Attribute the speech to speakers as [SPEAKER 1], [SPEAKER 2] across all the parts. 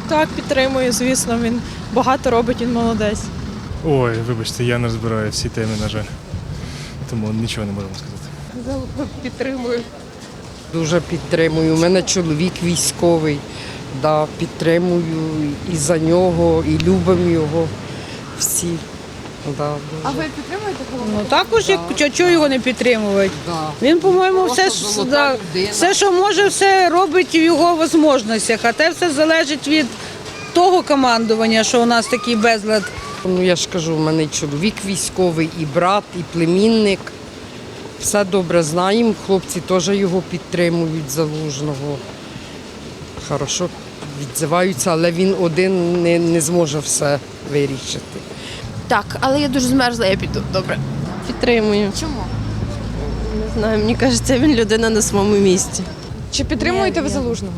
[SPEAKER 1] Так, підтримую, звісно, він багато робить, він молодець.
[SPEAKER 2] Ой, вибачте, я не розбираю всі теми, на жаль. Тому нічого не можемо сказати.
[SPEAKER 3] Підтримую.
[SPEAKER 4] Дуже підтримую. У мене чоловік військовий. Да, підтримую і за нього, і любимо його всі. Да,
[SPEAKER 3] А ви підтримуєте голову?
[SPEAKER 5] Ну також, як чого його не підтримувати.
[SPEAKER 4] да.
[SPEAKER 5] Він, по-моєму, все,
[SPEAKER 4] Просто золота
[SPEAKER 5] да,
[SPEAKER 4] людина.
[SPEAKER 5] все, що може, все робить в його можливостях. А те все залежить від того командування, що у нас такий безлад.
[SPEAKER 4] Ну я ж кажу, у мене і чоловік військовий, і брат, і племінник. Все добре знаємо. Хлопці теж його підтримують, Залужного. Хорошо відзиваються, але він один не зможе все вирішити.
[SPEAKER 6] Так, але я дуже змерзла, я піду. Добре.
[SPEAKER 7] Підтримую.
[SPEAKER 6] Чому?
[SPEAKER 7] Не знаю, мені кажеться, він людина на своєму місці.
[SPEAKER 3] Чи підтримуєте ви Залужного?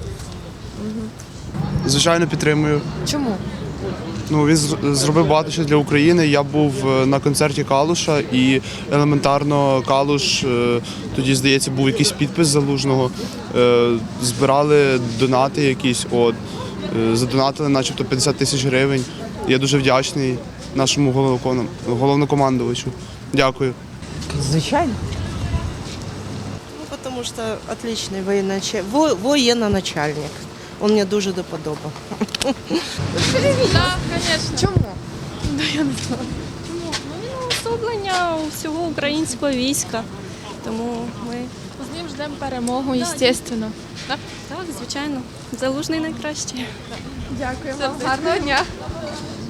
[SPEAKER 8] Звичайно, підтримую.
[SPEAKER 3] Чому?
[SPEAKER 8] Ну, він зробив багато що для України. Я був на концерті Калуша і елементарно Калуш, тоді, здається, був якийсь підпис Залужного. Збирали донати якісь, задонатили начебто 50 тисяч гривень. Я дуже вдячний нашому головнокомандувачу. Дякую.
[SPEAKER 4] Звичайно.
[SPEAKER 9] Ну, потому что отличный воєнноначальник. Он мне дуже до подоба.
[SPEAKER 6] Так, звісно.
[SPEAKER 3] Чому?
[SPEAKER 7] Чому? Ну, він уособлення всього українського війська. Тому ми
[SPEAKER 6] З ним ждемо перемогу, звісно.
[SPEAKER 7] так, звичайно, Залужний найкращий.
[SPEAKER 3] Дякую вам. Гарного дня.